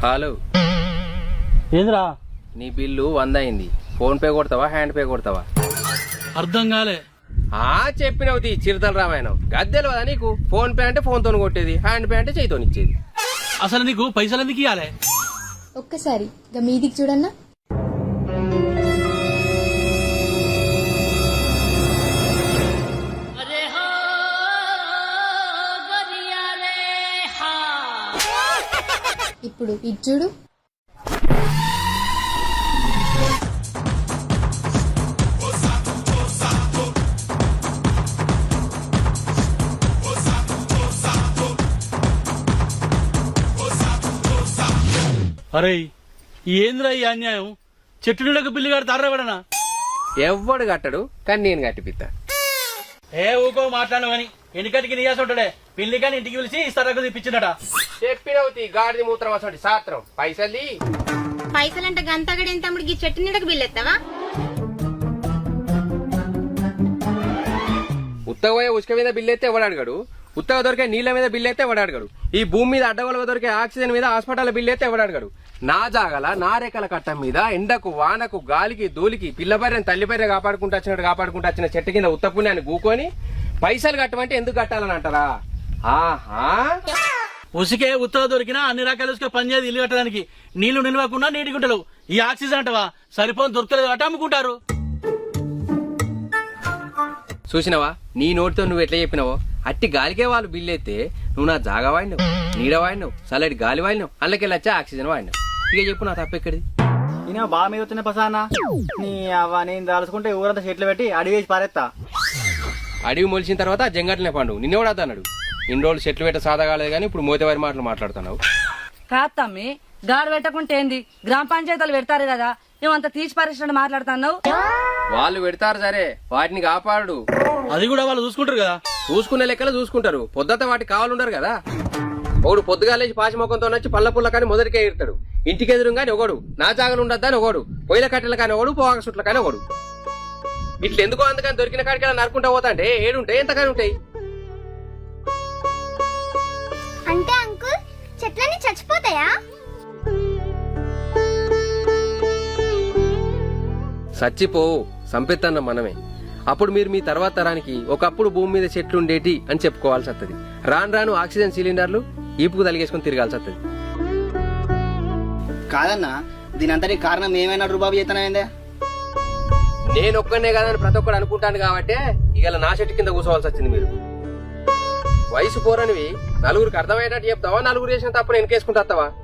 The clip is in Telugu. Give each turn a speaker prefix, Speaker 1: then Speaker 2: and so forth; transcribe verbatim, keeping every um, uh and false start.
Speaker 1: హలో
Speaker 2: ఏంద్రా
Speaker 1: నీ బిల్లు వంద అయింది. ఫోన్ పే కొడతావా హ్యాండ్ పే కొడతావా?
Speaker 2: అర్థం కాలే.
Speaker 1: ఆ చెప్పినవుతి చిరుతల రామాయణం గద్దెలు కదా నీకు. ఫోన్ పే అంటే ఫోన్ తోని కొట్టేది, హ్యాండ్ పే అంటే చేయితోని ఇచ్చేది.
Speaker 2: అసలు నీకు పైసలు ఎందుకు ఇవ్వాలి?
Speaker 3: ఒక్కసారి గా మీదికి చూడన్నా. ఇప్పుడు ఇది చూడు.
Speaker 2: అరే ఏంద్రా ఈ అన్యాయం? చెట్టు నీడకు బిల్లు గారు తారబడనా?
Speaker 1: ఎవ్వడు కట్టడు, కానీ నేను కట్టిపిత్తా.
Speaker 2: ఏ ఊకో మాట్లాడు అని ఎన్నికటికి నీయాస ఉంటాడే. పిల్లి కానీ ఇంటికి పిలిచి ఇస్తారకు తెప్పించిందట.
Speaker 1: చెప్పినవుతి గాడిది మూత్రం అసలు సాత్రం. పైసల్ది
Speaker 4: పైసలంటే గంతగడేం తమ్ముడికి ఈ చెట్టు నీడకు బిల్లెత్తావా?
Speaker 1: ఉత్తగపోయే ఉసుక మీద బిల్లు అయితే ఎవడు అడగడు, ఉత్తగ దొరికే నీళ్ల మీద బిల్లు అయితే ఎవడు అడగడు, ఈ భూమి మీద అడ్డగొలగా దొరికే ఆక్సిజన్ మీద హాస్పిటల్ బిల్లు అయితే ఎవడు అడగడు. నా జాగల నా రేఖల కట్టం మీద ఎండకు వానకు గాలికి ధూళికి పిల్లపర్రెని తల్లిపర్రె కాపాడుకుంటూ వచ్చినట్టు కాపాడుకుంటూ వచ్చిన చెట్టు కింద ఉత్త పుణ్యాన్ని గూకొని పైసలు కట్టమంటే ఎందుకు కట్టాలని అంటారా? ఆహా,
Speaker 2: ఉసికే ఉత్తర దొరికినా అన్ని రకాల ఉసుక పనిచేది ఇల్లు కట్టడానికి. నీళ్లు నిలవకుండా నీటి గుంటలు. ఈ ఆక్సిజన్ అంటవా సరిపోని దొరకలేదు అట అమ్ముకుంటారు.
Speaker 1: చూసినవా నీ నోటితో నువ్వు ఎట్లా చెప్పినావో అట్టి గాలికే వాళ్ళు బిల్లు అయితే నువ్వు నా జాగా వాడినావు, నీడ వాడినావు, చల్లటి గాలి వాడినావు, అందులోకెళ్ళి వచ్చా ఆక్సిజన్ వాడినావు. ఇక చెప్పు నా తప్పెక్కడిది?
Speaker 5: నేను బాగా మీద వచ్చిన పసానా నీ అవ్వ నేను దాల్చుకుంటే ఊరంతా చెట్లు పెట్టి అడిగి వేసి పారేస్తా.
Speaker 1: అడవి మొలిచిన తర్వాత జంగట్లనే పండు నిన్నెవడా అన్నాడు? ఇన్ని రోజులు చెట్లు పెట్ట సాదా కాలేదు కానీ ఇప్పుడు మోతేవారి మాటలు మాట్లాడుతున్నావు.
Speaker 6: కాదు తమ్మి, గాడు పెట్టకుంటే ఏంది? గ్రామ పంచాయతీలు పెడతారు కదా, నువ్వంత తీసి పరిశ్రమ మాట్లాడుతున్నావు.
Speaker 1: వాళ్ళు పెడతారు సరే, వాటిని కాపాడు.
Speaker 2: అది కూడా వాళ్ళు చూసుకుంటారు కదా.
Speaker 1: చూసుకునే లెక్కలు చూసుకుంటారు, పొద్దుత వాటికి కావాలుండరు కదా. ఒకడు పొద్దుగాలేసి పాచి మొక్కంతో వచ్చి పళ్ళ పుల్ల కానీ మొదటికే ఇడతాడు. ఇంటికి ఎదురు కానీ ఒకడు, నా జాగలు ఉండద్దా అని ఒకడు, పొయ్యిల కట్టెల కానీ ఒకడు, పోగా సుట్ల కానీ ఒకడు. ఇట్లా ఎందుకో అందుకని దొరికిన కాడికి నరుకుంటా పోతా అంటే ఏడుంటాయి ఎంతకాని ఉంటాయి.
Speaker 4: అంటే అంకుల్ చెట్లన్నీ చచ్చిపోతాయా?
Speaker 1: సచ్చిపోవు, సంపెత్తన్న మనమే. అప్పుడు మీరు మీ తర్వాత తరానికి ఒకప్పుడు భూమి మీద చెట్లు ఉండేటి అని చెప్పుకోవాల్సి వస్తుంది. రాను రాను ఆక్సిజన్ సిలిండర్లు ఈపుకు తలిగేసుకుని తిరగాల్సి వస్తుంది.
Speaker 5: కాదన్నా దీని అంతటి కారణం ఏమైనా రూబాబు చేతనైందే?
Speaker 1: నేను ఒక్కనే కాదని ప్రతి ఒక్కడు అనుకుంటాను కాబట్టి ఇవాళ నా చెట్టు కింద కూర్చోవాల్సి వచ్చింది. మీరు వయసు పోరనివి నలుగురికి అర్థమయ్యేటట్టు చెప్తావా, నలుగురు చేసిన తప్పుడు వెనకేసుకుంటావా?